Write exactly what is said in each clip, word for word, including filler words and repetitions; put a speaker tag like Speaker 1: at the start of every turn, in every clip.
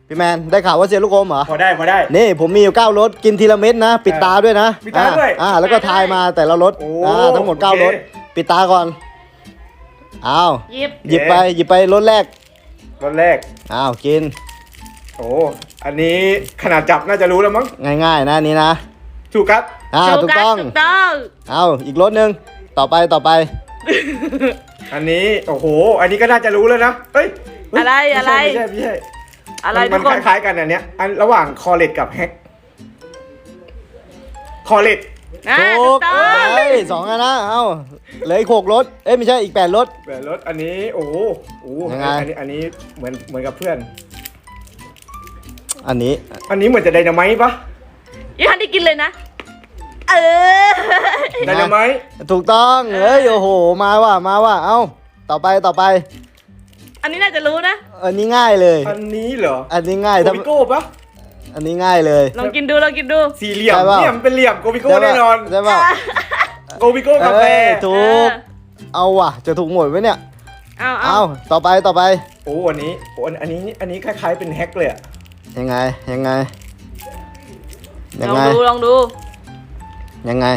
Speaker 1: พี่แมนได้ข่าวว่าเซียนลูกอมเหรอ
Speaker 2: พอได้พอได้
Speaker 1: นี่ผมมีอยู่เก้ารสกินทีละเม็ดนะปิดตาด้วยนะ
Speaker 2: ปิดตาด้วย
Speaker 1: อ่าแล้วก็ทายมาแต่ละรส
Speaker 2: โอ้
Speaker 1: อ่าทั้งหมดเก้ารส
Speaker 2: โอเค
Speaker 1: ปิดตาก่อนอ้าว
Speaker 3: หยิบ
Speaker 1: หยิบไปหยิบไปรสแรก
Speaker 2: รสแรก
Speaker 1: อ้าวกิน
Speaker 2: โอ้อันนี้ขนาดจับน่าจะรู้แล้วมั้ง
Speaker 1: ง่ายๆนะอันนี้นะ
Speaker 2: ถูกครับ
Speaker 1: อ่า
Speaker 3: โช
Speaker 1: ถูก
Speaker 3: กัส
Speaker 1: ต้อง
Speaker 3: ถูกต้อง
Speaker 1: เอาอีกรสหนึ่งต่อไปต่อไป
Speaker 2: อันนี้โอ้โห อันนี้ก็น่าจะรู้แล้วนะเอ้ยเฮ้ย
Speaker 3: อะไรอะไร
Speaker 2: ไม่ใช่ไม่ใช่
Speaker 3: อะไร
Speaker 2: ไม่
Speaker 3: ทุ
Speaker 2: ใช่
Speaker 3: ก
Speaker 2: มัน
Speaker 3: คน
Speaker 2: คล้ายๆกันอันเนี้ยอันระหว่างคอเลตกับแฮกคอเลต
Speaker 3: อ่า
Speaker 1: ถู
Speaker 3: ถู
Speaker 1: ก
Speaker 3: กต้อง
Speaker 1: เอ้ยสองอันนะเอาเหลืออีกหกรสเอ้ยไม่ใช่อีกแปดรส
Speaker 2: แบบรถอันนี้โอ้โหโอ้โห
Speaker 1: ยังไง
Speaker 2: อันนี้อันนี้เหมือนเหมือนกับเพื่อน
Speaker 1: อันนี้
Speaker 2: อันนี้เหมือนจะไดนาไมต์ปะ
Speaker 3: ยังทันได้กินเลยนะ เออ
Speaker 2: ไดนาไมต์
Speaker 1: ถูกต้องเอ้ยโอ้โหมาว่ะมาว่ะเอาต่อไปต่อไป
Speaker 3: อันนี้น่าจะรู้นะ
Speaker 1: อันนี้ง่ายเลย
Speaker 2: อันนี้เหรอ
Speaker 1: อันนี้ง่าย
Speaker 2: โก
Speaker 1: ถ้า
Speaker 2: บิโก้ปะ
Speaker 1: อันนี้ง่ายเลย
Speaker 3: ลองกินดูลองกินดู
Speaker 2: สี่เหลี่ยม
Speaker 1: ใช่ปะ
Speaker 2: เนี่ยมันเป็นเหลี่ยมโกบิโก้
Speaker 1: ใช่ปะ
Speaker 2: แน่นอน
Speaker 1: ใช่ป่ะ
Speaker 2: โกบิโก้กาแฟ
Speaker 1: เอ้ยถูก
Speaker 3: เออ
Speaker 1: เอาว่ะจะถูกหมดไหมเนี่ย
Speaker 3: เอาเอา
Speaker 1: เอาต่อไปต่อไป
Speaker 2: โอ้อันนี้โอ้อันอันนี้อันนี้คล้ายๆเป็นแฮกเลยอะ
Speaker 1: ยังไงยังไงยัง
Speaker 3: ลอง
Speaker 1: ไง
Speaker 3: ดูลองดู
Speaker 1: ยังไง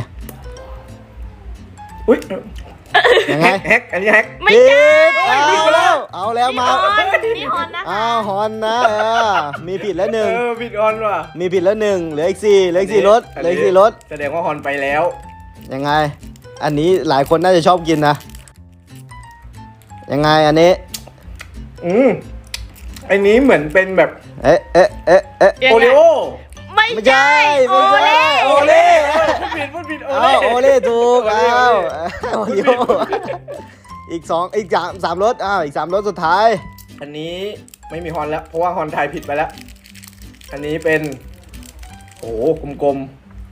Speaker 2: อุ้ย
Speaker 1: ยังไง
Speaker 2: แฮกแฮกอันนี้แฮก
Speaker 3: ไม่
Speaker 1: ผิ
Speaker 3: ใช่
Speaker 1: ดเอาแล้วเอาแล้ว
Speaker 3: นี่
Speaker 1: มา
Speaker 3: ฮอนนี่ฮอนนะคะ
Speaker 1: อ้าวฮอนนะเออมีผิดแล้วหนึ่ง
Speaker 2: เออบิดออนว่ะ
Speaker 1: มีผิดแล้วหนึ่งเหลืออีกสี่เหลืออีกสี่รถเหลืออีกสี่รถ
Speaker 2: แสดงว่าฮอนไปแล้ว
Speaker 1: ยังไง อันนี้หลายคนน่าจะชอบกินนะยังไงอันนี้
Speaker 2: อืมอันนี้เหมือนเป็นแบบ
Speaker 1: เอ๊ะเอ๊ะเอ๊ะเอ๊ะ
Speaker 3: ยัง
Speaker 2: โอ
Speaker 3: ไง
Speaker 2: ริโอ
Speaker 3: ไม่
Speaker 1: ไม่
Speaker 3: ใช่
Speaker 1: ใช่
Speaker 3: โอ
Speaker 1: ไม่ใช่
Speaker 3: เล่
Speaker 1: โอเล่
Speaker 2: พูดผิดพูดผิดโอ
Speaker 1: เอา
Speaker 2: เล่
Speaker 1: โอเล่ถูก
Speaker 2: โอเล่
Speaker 1: เอา
Speaker 2: โอเล่
Speaker 1: โอริโออีกสองอีกสามสามรถอ้าวอีกสามรถสุดท้าย
Speaker 2: อันนี้ไม่มีฮอนแล้ว เพราะว่าฮอนไทยผิดไปแล้ว อันนี้เป็น โอ้โหกลม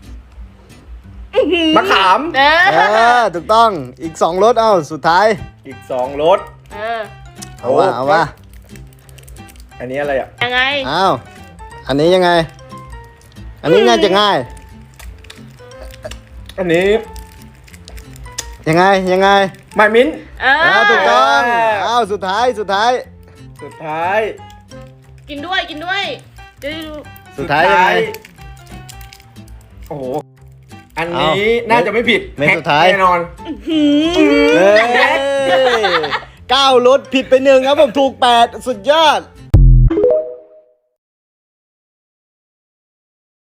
Speaker 2: ๆมะขาม
Speaker 3: เอ
Speaker 1: เอ
Speaker 3: อ
Speaker 1: อถูกต้องอีกสองรถเอ้าสุดท้าย
Speaker 2: อีกสองรส
Speaker 3: เออ
Speaker 1: เอาว่าเอาว่า
Speaker 2: อันนี้อะไรอ่ะ
Speaker 3: ยังไง
Speaker 1: อ้าวอันนี้ยังไง อันนี้น่าจะง่าย
Speaker 2: อันนี้
Speaker 1: ยังไงยังไง
Speaker 2: ไมมิ้น
Speaker 3: เอ
Speaker 1: อ้าว
Speaker 3: อ
Speaker 1: ถูกต้อง
Speaker 2: เออ
Speaker 1: อ้าวสุดท้ายสุดท้าย
Speaker 2: สุดท้าย
Speaker 3: กินด้วยกินด้วยจะได้ดู
Speaker 1: สุดท้ายยังไง
Speaker 2: โอ้โห อันนี้
Speaker 1: เอ้า
Speaker 2: น่าจะไม่ผิด
Speaker 1: เม็ด
Speaker 2: แฮก
Speaker 1: สุดท้าย
Speaker 2: แน่นอน
Speaker 1: เอ้ยเก้ารถผิดไปหนึ่งครับผมถูกแปดสุดยอด